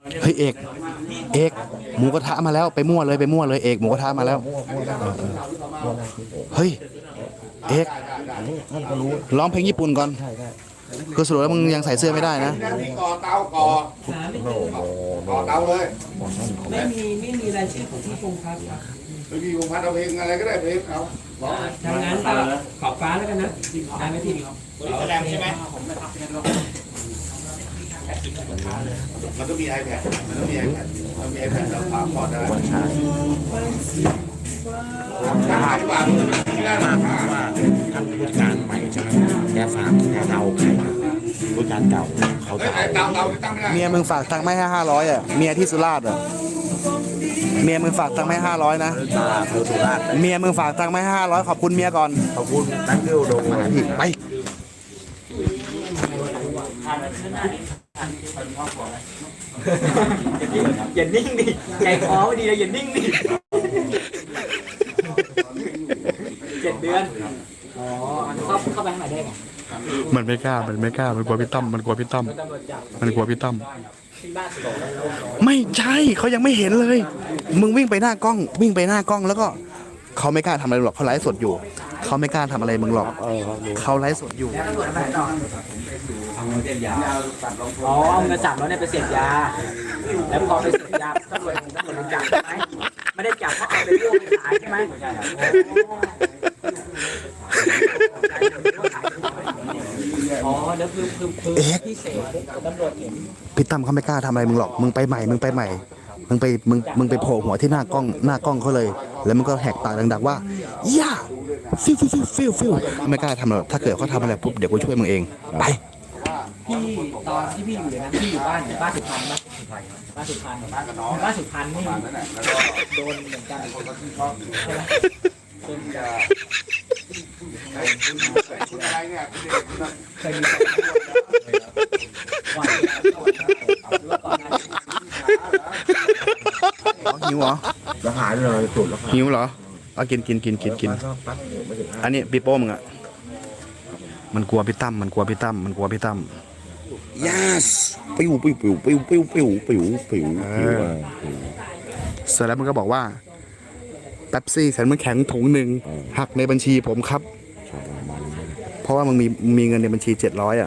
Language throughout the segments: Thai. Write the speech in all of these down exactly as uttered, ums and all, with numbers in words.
เฮ้ยเอกเอกหมูกระทะมาแล้วไปมั่วเลยไปมั่วเลยเอกหมูกระทะมาแล้วเฮ้ยเอกร้องเพลงญี่ปุ่นก่อนก็สรุปแล้วมึงยังใส่เสื้อไม่ได้นะก่อเตาก่อก่อเตาเลยไม่มีไม่มีรายชื่อของพี่พงษ์พัฒน์ครับไม่มีพงษ์พัฒน์เอาเพลงอะไรก็ได้เพลงเขาทำงานก็ขอบฟ้าแล้วกันนะได้ไหมพี่แสดงใช่ไหมมันต้องมี iPad มันต้องมี iPad มันมี iPad เราฝากพอร์ตได้วันชายถ้าหากว่าไม่ได้มากว่าท่านผู้การใหม่ใช่ไหมแกฝากแกเดาใครผู้การเก่าเขาจะเตาเตาตั้งไม่ได้เมียมึงฝากตังค์ไม่ให้ห้าร้อยอ่ะเมียที่สุราษฎร์อ่ะเมียมึงฝากตังค์ไม่ห้าร้อยนะเธอสุราษฎร์เมียมึงฝากตังค์ไม่ห้าร้อยขอบคุณเมียก่อนขอบคุณตั้งเดียวโดงมาพี่ไปอย่านิ่งดิใจคอไม่ดีเลยอย่านิ่งดิเจ็ดเดือนอ๋อเข้าเข้าไปข้างในได้ไงมันไม่กล้ามันไม่กล้ามันกลัวพี่ตั้มมันกลัวพี่ตั้มมันกลัวพี่ตั้มไม่ใช่เขายังไม่เห็นเลยมึงวิ่งไปหน้ากล้องวิ่งไปหน้ากล้องแล้วก็เขาไม่กล้าทำอะไรหรอกเขาไลฟ์สดอยู่เขาไม่กล้าทำอะไรมึงหรอกเขาไลฟ์สดอยู่อ๋อเอาเงินจับแล้วเนี่ยไปเสพยาแล้วพอไปเสพยาตำรวจตำรวจจับใช่ไหมไม่ได้จับเพราะเอาไปร่วมไปขายใช่ไหมอ๋อเดี๋ยวคือคือคือพี่เสกตำรวจเห็นพี่ตั้มเขาไม่กล้าทำอะไรมึงหรอกมึงไปใหม่มึงไปใหม่มึงไปมึงมึงไปโผล่หัวที่หน้ากล้องหน้ากล้องเขาเลยแล้วมึงก็แหกปากดังๆว่าย่าฟิวฟิวฟิวฟิวฟิวไม่กล้าทำหรอกถ้าเกิดเขาทำอะไรปุ๊บเดี๋ยวกูช่วยมึงเองไปพี่ตอนที่พี่อยู่เลยนะพี่อยู่บ้านบ้านสุพรรณบ้านสุพรรณบ้านกับน้องบ้านสุพรรณนี่โดนเหมือนกันใช่ไหมเป็นคุณอะไรเนี่ยเคยมีหิวเหรอแล้วหายเลยจุดแล้วหิวเหรอเอากินกินกินกินกินอันนี้ปีโป้มึงอ่ะมันกลัวพี่ตั้มมันกลัวพี่ตั้มมันกลัวพี่ตั้ม yes ปิวปิวปิวปิวปิวปิวปิวปิวเสร็จแล้วมันก็บอกว่าแป๊บซี่ฉันมันแข็งถุงหนึ่งหักในบัญชีผมครับเพราะว่ามึงมีมีเงินในบัญชีเจ็ดร้อยอ่ะ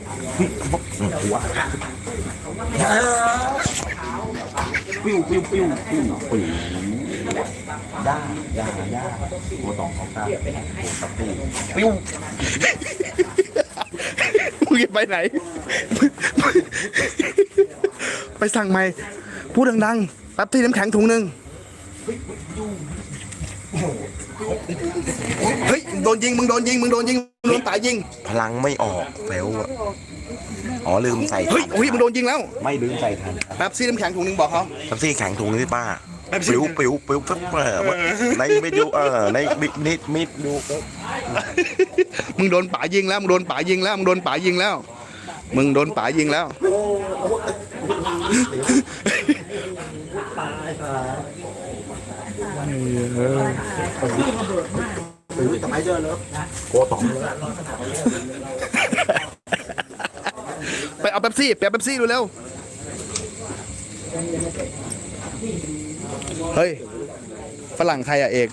ปิวปิวปิวปิวปิวย่าย่าย่าโมตองเขาตาปิวมึงไปไหนไปสั่งใหม่พูดดังๆแป๊บที่น้ำแข็งถุงหนึ่งเฮ้ยโดนยิงมึงโดนยิงมึงโดนยิงมึงโดนตายยิงพลังไม่ออกแล้วอ๋อลืมใส่เฮ้ยเฮ้ยมึงโดนยิงแล้วไม่ลืมใส่ทันแป๊บซี่น้ำแข็งถุงหนึ่งบอกเขาแป๊บซี่แข็งถุงนี่ป้าปิวปิวปิวปั๊บในไม่ดูเออในมิดมิดมิดดูมึงโดนป๋ายิงแล้วมึงโดนป๋ายิงแล้วมึงโดนป๋ายิงแล้วมึงโดนป๋ายิงแล้วทำไมเจอเลยโกตองไปเอาเป๊ปซี่ไปเอาเป๊ปซี่ดูเร็วเฮ้ยฝรั่งใครอะเอก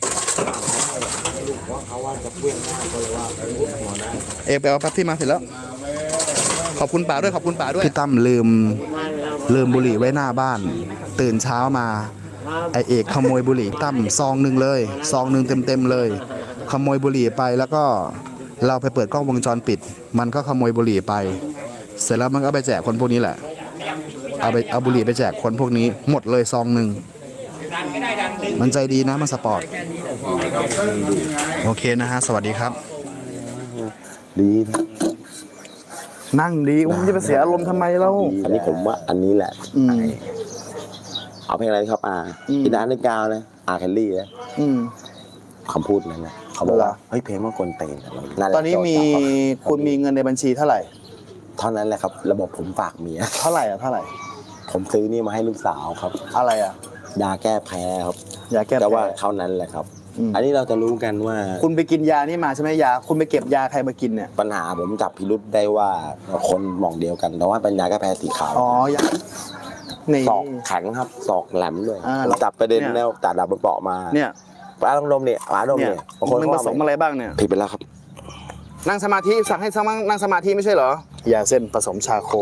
เอกไปเอาเป๊ปซี่มาเสร็จแล้วขอบคุณป๋าด้วยขอบคุณป๋าด้วยพี่ตั้มลืมลืมบุหรี่ไว้หน้าบ้านตื่นเช้ามาไอเอกขโมยบุหรี่ตั้มซองหนึ่งเลยซองหนึ่งเต็มๆเลยขโมยบุหรี่ไปแล้วก็เราไปเปิดกล้องวงจรปิดมันก็ขโมยบุหรี่ไปเสร็จแล้วมันก็ไปแจกคนพวกนี้แหละเอาไปเอาบุหรี่ไปแจกคนพวกนี้หมดเลยซองหนึ่งมันใจดีนะมันสปอร์ตโอเคนะฮะสวัสดีครับดีนั่งดีอุ้มจะไปเสียอารมณ์ทำไมเล่าอันนี้ผมว่าอันนี้แหละเอาเพลงอะไรครับอ่าอีดานในกาวนะอาแคลรี่นะคำพูดนั้นนะเขาบอกว่าเฮ้ยเพลงมันกลเตนตอนนี้มีคุณมีเงินในบัญชีเท่าไหร่เท่านั้นแหละครับระบบผมฝากเมียเท่าไหร่อ่ะเท่าไหร่ผมซื้อนี่มาให้ลูกสาวครับอะไรอ่ะยาแก้แพ้ครับยาแก้แต่ว่าเท่านั้นแหละครับอันนี้เราจะรู้กันว่าคุณไปกินยานี่มาใช่ไหมยาคุณไปเก็บยาใครมากินเนี่ยปัญหาผมจับพิรุธได้ว่าคนมองเดียวกันแต่ว่าเป็นยาแก้แพ้สีขาวอ๋อยานี่ศอกแข็งครับศอกแหลมด้วยอ่าผมจับประเด็นเนี่ยแนวตัดดับบนเปาะมาเนี่ยปลาลงนมเนี่ยปลาลงเนี่ยเนี่ยบางคนมึงผว่าสมอะไรบ้างเนี่ยผิดไปแล้วครับนั่งสมาธิสั่งให้สั่งนั่งสมาธิไม่ใช่เหรอยาเส้นผสมชาโค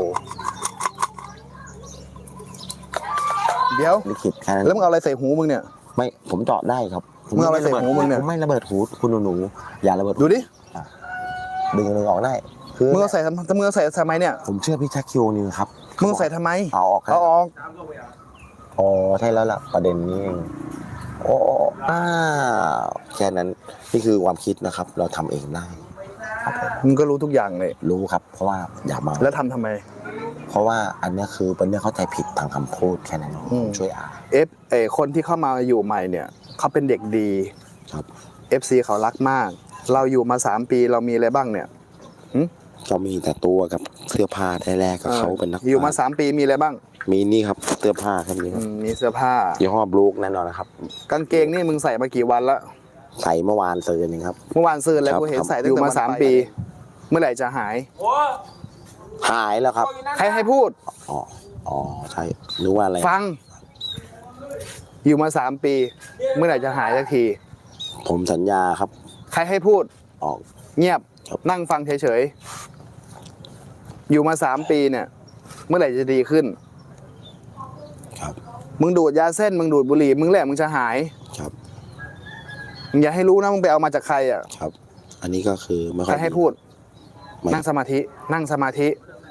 เดี๋ยวลิขิตแค่นั้นแล้วมึงเอาอะไรใส่หูมึงเนี่ยไม่ผมเจาะได้ครับผมึงเอาอะไรใส่หูมึงเนี่ยผมไม่ระเบิดหูคุณหนูๆอย่าระเบิดหูดูดิดึงดึงออกได้คือมึงเอาใส่ทำมึงเอาใส่ทำไมเนี่ยผมเชื่อพี่แจ็คคิวนิวครับมึงเอาใส่ทำไมเอาออกครับเอาออกอ๋อใช่แล้วล่ะประเด็นนี้เองโอ้อ้าวแค่นั้นนี่คือความคิดนะครับ เราทำเองได้มึงก็รู้ทุกอย่างเลยรู้ครับ เพราะว่าอย่ามาแล้วทำทำไมเพราะว่าอันเนี้ยคือเป็นเรื่องเข้าใจผิดทางคำพูดแค่นั้นเองอืมช่วยอ่านเอฟเออคนที่เข้ามาอยู่ใหม่เนี่ยเขาเป็นเด็กดีครับเอฟซีเขารักมาก เราอยู่มาสามปีเรามีอะไรบ้างเนี่ยก็มีแต่ตัวกับเสื้อผ้าได้แรกกับเขาเป็นนักอยู่มาสามปีมีอะไรบ้างมีนี่ครับเสื้อผ้าครับนี่คอืรับมมีเสื้อผ้ายี่ห้อบลูกแน่นอนนะครับกางเกงนี่มึงใส่มากี่วันละใส่เมื่อวานซื้อนึงครับเมื่อวานซื้อแล้วครับกูเห็นใส่ครับอยู่มาสามปี เมื่อไหร่จะหายหายแล้วครับใครให้พูดอ๋ออ๋อใช่รู้ว่าอะไรฟัง อยู่มาสามปี เมื่อไหร่จะหายสักทีผมสัญญาครับใครให้พูดออกเงียบครับนั่งฟังเฉยๆ อยู่มาสามปีเนี่ย เมื่อไหร่จะดีขึ้นครับมึงดูดยาเส้น มึงดูดบุหรี่ มึงแหละมึงจะหายครับมึงอย่าให้รู้นะ มึงไปเอามาจากใครอ่ะครับ อันนี้ก็คือไม่ค่ใคอรยให้พูดไม่นั่งสมาธิ นั่งสมาธิ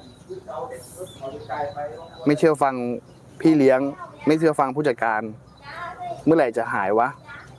ไม่เชื่อฟังพี่เลี้ยง ไม่เชื่อฟังผู้จัดการ เมื่อไหร่จะหายวะ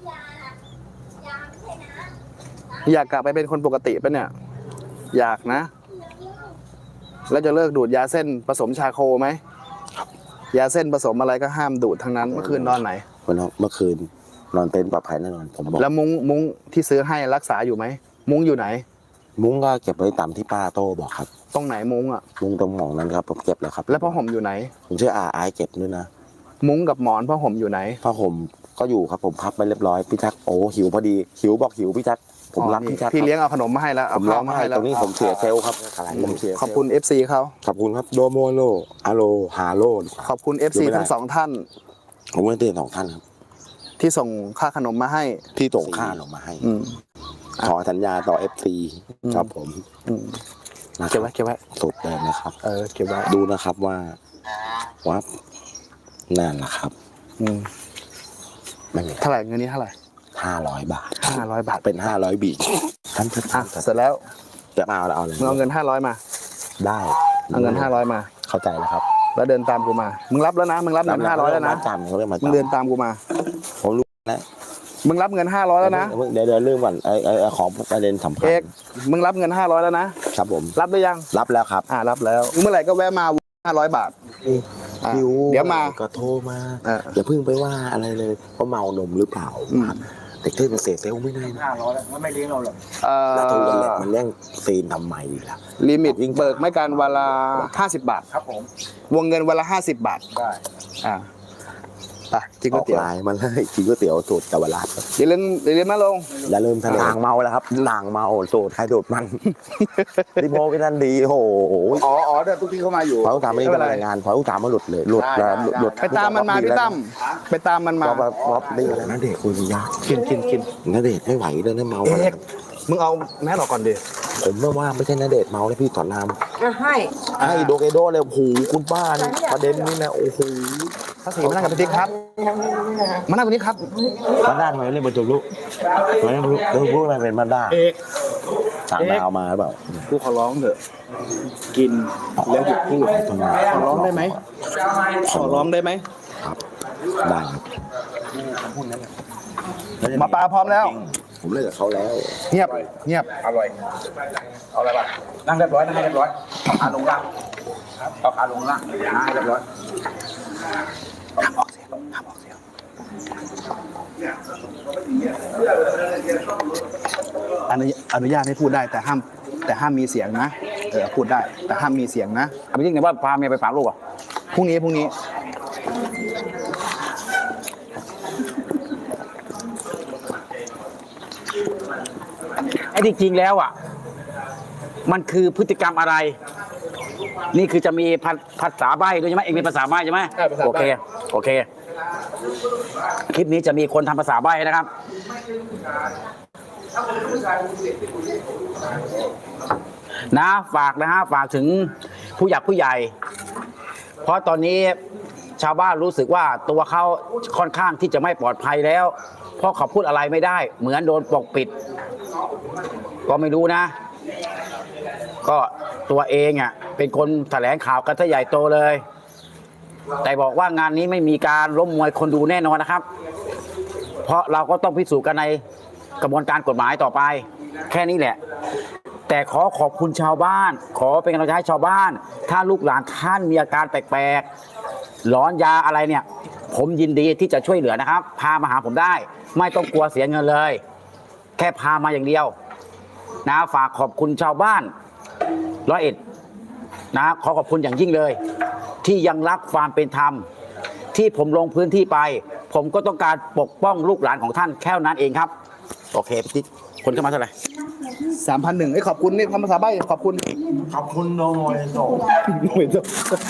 อยากกลับไปเป็นคนปกติปะเนี่ย อยากนะ แล้วจะเลิกดูดยาเส้นผสมชาโคไหม ยาเส้นผสมอะไรก็ห้ามดูดทั้งนั้น เมื่อคืนนอนไหนวันนั้นเมื่อคืนนอนเต็นท์ปลอดภัยแน่นอนผมบอกแล้วมุ้งมุ้งที่ซื้อให้รักษาอยู่ไหม มุ้งอยู่ไหนมุ้งก็เก็บไว้ตามที่ป้าโต้บอกครับตรงไหนมุ้งอ่ะมุ้งตรงหมองนั้นครับผมเก็บแล้วครับแล้วผ้าห่มอยู่ไหนผมเชื่ออาไอเก็บด้วยนะมุ้งกับหมอนผ้าห่มอยู่ไหนผ้าห่มก็อยู่ครับผมพับไปเรียบร้อยพี่แจ็คโอ้หิวพอดีหิวบอกหิวพี่แจ็คผมรักอ๋อนี่พี่แจ็คพี่ครับเลี้ยงเอาขนมมาให้แล้วผเอามร้ข้าอวงมาไห้ให้แล้ตวรงนี้ผมเสียเซลล์ครับผมเสียเซลล์ขอบคุณ เอฟ ซี เขาขอบคุณครับโดโมโลอาโลฮาโลขอบคุณ เอฟ ซี ทั้งสองท่านผมไม่ได้เตือนสองท่านครับที่ส่งค่าขนมมาให้ที่ส่งค่าลงมาให้อืมขอสัญญาต่อ เอฟ ซีอืมครับผมอืมนะคเก็บรับไว้เก็บไว้สุดเลยนะครับเออเก็บไว้ดูนะครับว่าวับนั่นแหละครับอืมไม่มีเท่าไหร่เงินนี้เท่าไหร่ห้าร้อยบาทห้าร้อยบาทเป็นห้าร้อยบีท่านจะอ่ะเสร็จแล้วจะมาเอาเอาอะไรมึงเอาเงินห้าร้อยมาได้เอาเงินห้าร้อยมาเข้าใจแล้วครับแล้วเดินตามกูมา มึงรับแล้วนะ มึงรับเงินห้าร้อยแล้วนะจำเขาเรียกมามึงจำเดินตามกูมาผมรู้แล้วมึงรับเงินห้าร้อยแล้วนะเดี๋ยวเดี๋ยวเรื่องก่อนไอ้ไอ้ไอ้ของประเด็นสำคัญเอก มึงรับเงินห้าร้อยแล้วนะครับผมรับหรือยังรับแล้วครับอ่ารับแล้ว เมื่อไหร่ก็แวะมาห้าร้อยบาท อ่ะหิวเดี๋ยวมาก็โทรมาเอออย่าเพิ่งไปว่าอะไรเลยว่าเมานมหรือเปล่าอืมเด็กเทพมันเสียเซลล์ไม่ได้นะห้าร้อยแล้วมันไม่เลี้ยงเราหรอกเอ่แล้วโทรกันแหละอมันเรื่องซีนทำไมล่ะลิมิตเบิกไม่การวันละห้าสิบบาทครับผมวงเงินวันละห้าสิบบาทได้อ่าไปกินอก๋วอย กเตี๋ยวไลน์มาเลยกินก๋วยเตี๋ยวสูตรกาวราชอย่าลืมอย่าลืมนะลงอย่าลืมทะเลหลางเมาแล้วครับหลางเมาสูตรใครสูตรมัน ที่โมกันนั่นดีโอ้โหอ๋ออ๋อเดี๋ยวทุกที่เข้ามาอยู่พอลูกตามไม่ได้เป็นรายงานพอลูกตามมาหลุดเลยหลุดแล้วหลุดไปตามมันมาพี่ตั้มไปตามมันมาพอพอพอนี่อะไรนั่นเด็กคุยยากกินกินกินนั่นเด็กไม่ไหวเลยนะเมาเอกมึงเอาแมสออกก่อนดิผมไม่ว่าไม่ใช่นั่นเด็กเมาแล้วพี่ถอนน้ำให้ไอ้โดเกโดเลยโอ้โหคุณป้านี่ประเด็นนี้นะโอ้โหพระศรีมานั่งกับพี่ติ๊กครับมานั่งตรงนี้ครับมาด้าทำไมเล่นบนจุลุทำไมไม่รู้เรื่องพวกอะไรเป็นมาด้าเอกต่างดาวมาหรือเปล่ากูขอร้องเถอะกินแล้วหยุดพูดขอร้องได้ไหมขอร้องได้ไหมครับได้ครับหมาปลาพร้อมแล้วผมเลิกกับเขาแล้วเงียบเงียบอร่อย เอาอะไรบ้างนั่งเรียบร้อยนั่งให้เรียบร้อยเอาขาลงล่างเอาขาลงล่างนั่งให้เรียบร้อยห้ามออกเสียงห้ามออกเสียงอนุญาอนุญาตให้พูดได้แต่ห้ามแต่ห้ามมีเสียงนะเออพูดได้แต่ห้ามมีเสียงนะเอาไปจริงเนี่ยว่าพาเมียไปฝากลูกอ่ะพรุ่งนี้พรุ่งนี้ไอ้ที่จริงแล้วอ่ะ มันคือพฤติกรรมอะไรนี่คือจะมีภาษาใบ้ด้วยใช่ไหมเองมีภาษาใบ้ใช่ไหมโอเคโอเคคลิปนี้จะมีคนทำภาษาใบ้นะครับนะฝากนะฮะฝากถึงผู้หลักผู้ใหญ่เพราะตอนนี้ชาวบ้านรู้สึกว่าตัวเขาค่อนข้างที่จะไม่ปลอดภัยแล้วเพราะเขาพูดอะไรไม่ได้เหมือนโดนปกปิดก็ไม่รู้นะก็ตัวเองอ่ะเป็นคนแถลงข่าวกันซะใหญ่โตเลยแต่บอกว่างานนี้ไม่มีการล้มมวยคนดูแน่นอนนะครับเพราะเราก็ต้องพิสูจน์กันในกระบวนการกฎหมายต่อไปแค่นี้แหละแต่ขอขอบคุณชาวบ้านขอเป็นกำลังใจให้ชาวบ้านถ้าลูกหลานท่านมีอาการแปลกๆหลอนยาอะไรเนี่ยผมยินดีที่จะช่วยเหลือนะครับพามาหาผมได้ไม่ต้องกลัวเสียเงินเลยแค่พามาอย่างเดียวนะฝากขอบคุณชาวบ้านร้อยเอ็ดนะขอขอบคุณอย่างยิ่งเลยที่ยังรักความเป็นธรรมที่ผมลงพื้นที่ไปผมก็ต้องการปกป้องลูกหลานของท่านแค่นั้นเองครับโอเคพี่ติ๊กคนเข้ามาเท่าไหร่สามพันหนึ่งไอ้ขอบคุณนี่ทำภาษาใบ้ขอบคุณขอบคุณโนโมยโตโนโมยโต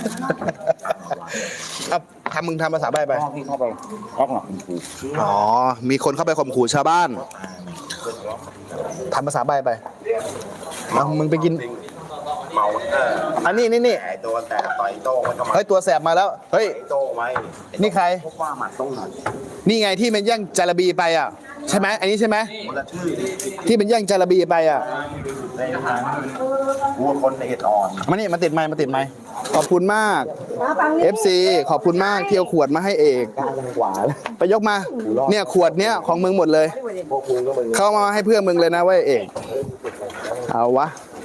ครับทำมึงทำภาษาใบ้ไปพี่เข้าไปร้องหรออ๋อมีคนเข้าไปข่มขู่ชาวบ้านทำภาษาใบ้ไปเอามึงไปกินเมาเอออันนี้นี่นี่ไอตัวแสบต่อยโต้งมันก็มาเฮ้ยตัวแสบมาแล้วเฮ้ยโต้งไหมนี่ใครพวกว่าหมัดต้องหนักนี่ไงที่มันแย่งจาระบีไปอ่ะใช่ไหมอันนี้ใช่ไหมคนละชื่อที่มันแย่งจาระบีไปอ่ะในทางวัวคนในเห็ดอ่อนมานี่มาติดไม้มาติดไม้ขอบคุณมาก เอฟ ซี ขอบคุณมากที่เอาขวดมาให้เอกไปยกมาเนี่ยขวดเนี้ยของมึงหมดเลยเข้ามาให้เพื่อนมึงเลยนะว่าเอกเอาวะ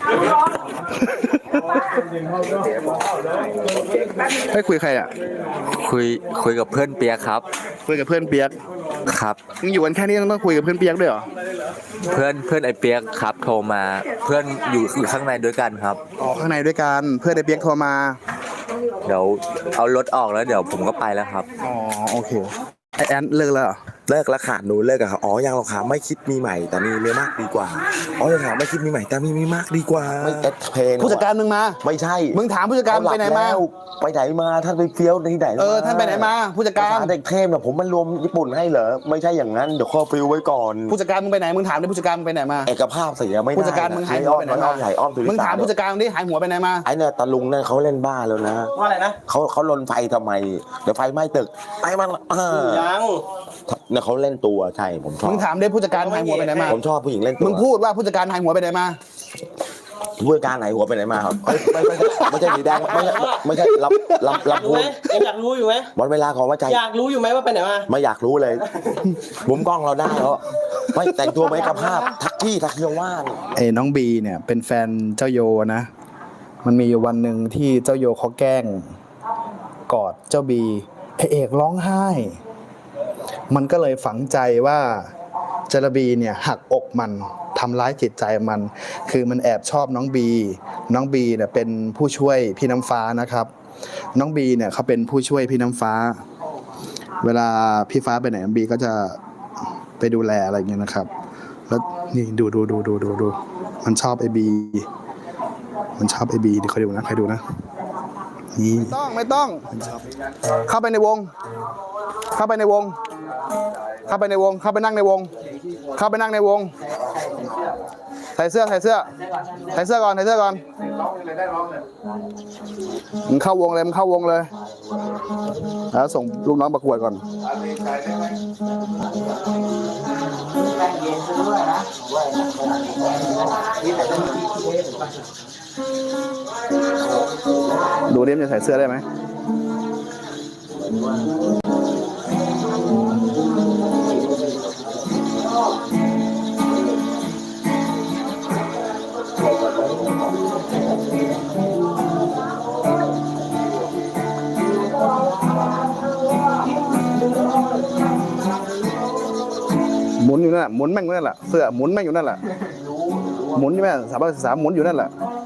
ไม่คุยใครอ่ะคุยคุยกับเพื่อนเปียกครับคุยกับเพื่อนเปียกครับมึงอยู่กันแค่นี้ต้องคุยกับเพื่อนเปียกด้วยเหรอเพื่อนเพื่อนไอเปียกครับโทรมาเพื่อนอยู่อยู่ข้างในด้วยกันครับอ๋อข้างในด้วยกันเพื่อนไอเปียกโทรมาเดี๋ยวเอารถออกแล้วเดี๋ยวผมก็ไปแล้วครับอ๋อโอเคไอแอนเลิกแล้วเลิกแล้วขาดหนูเลิกกับเขาอ๋อยังหรอกค่ะไม่คิดมีใหม่แต่มีเมียมากดีกว่าอ๋อยังหาไม่คิดมีใหม่แต่มีมีมากดีกว่าไม่เอ็ดเพลงผู้จัดการมึงมาไม่ใช่มึงถามผู้จัดการไปไหนมาไปไหนมาท่านไปเฟี้ยวที่ไหนเออท่านไปไหนมาผู้จัดการเด็กเทพเนี่ยผมมันรวมญี่ปุ่นให้เหรอไม่ใช่อย่างนั้นเดี๋ยวข้อฟิวไว้ก่อนผู้จัดการมึงไปไหนมึงถามดิผู้จัดการมึงไปไหนมาเอกภาพเสียไม่ได้ผู้จัดการมึงหายหัวไปไหนมาใหญ่อ้อมมึงถามผู้จัดการดิหายหัวไปไหนมาไอ้เนี่ยตาลุงเนี่ยเขาเล่นบ้าแล้วนะว่าอะไรนะเขาเขาลนไฟทำไมเดี๋ยวไฟไหม้ตึกไอ้มันยังเนี่ยเขาเล่นตัวใช่ผมชอบมึงถามดิผู้จัดการหายหัวไปไหนมาผมชอบผู้หญิงเล่นตัวมึงพูดว่าผู้จัดการหายหัวไปไหนมาผู้จัดการไหนหัวไปไหนมาครับไม่ไม่ใช่ไม่ใช่สีแดงไม่ใช่ไม่ใช่รับรับรับพูดอยากรู้อยู่ไหมวันเวลาของว่าใจอยากรู้อยู่ไหมว่าไปไหนมาไม่อยากรู้เลยมุมกล้องเราได้เพราะไม่แต่งตัวไม่กับภาพทักที่ทักเที่ยวว่านไอ้น้องบีเนี่ยเป็นแฟนเจ้าโยนะมันมีอยู่วันหนึ่งที่เจ้าโยเขาแกล้งกอดเจ้าบีไอเอกร้องไห้มันก็เลยฝังใจว่าจระบีเนี่ยหักอกมันทำร้ายจิตใจมันคือมันแอบชอบน้องบีน้องบีเนี่ยเป็นผู้ช่วยพี่น้ำฟ้านะครับน้องบีเนี่ยเขาเป็นผู้ช่วยพี่น้ำฟ้าเวลาพี่ฟ้าไปไหนน้องบีก็จะไปดูแลอะไรอย่างเงี้ยนะครับแล้วนี่ดูดูดูดูดูดูมันชอบไอบีมันชอบไอบีดิใครดูนะใครดูนะนี่ไม่ต้องไม่ต้องเข้าไปในวงเข้าไปในวงเข้าไปในวงเข้าไปนั่งในวงเข้าไปนั่งในวงใส่เสื้อใส่เสื้อใส่เสื้อก่อนใส่เสื้อก่อนมึงเข้าวงเลยมึงเข้าวงเลยแล้วส่งลูกน้องประกวดก่อนดูดิมันจะใส่เสื้อได้ไหมหมุนอยู่นั่นแหละหมุนแม่งนั่นแหละเสื้อหมุนแม่งอยู่นั่นแหละหมุนใช่ไหมสามร้อยสามหมุนอยู่นั่นแหละ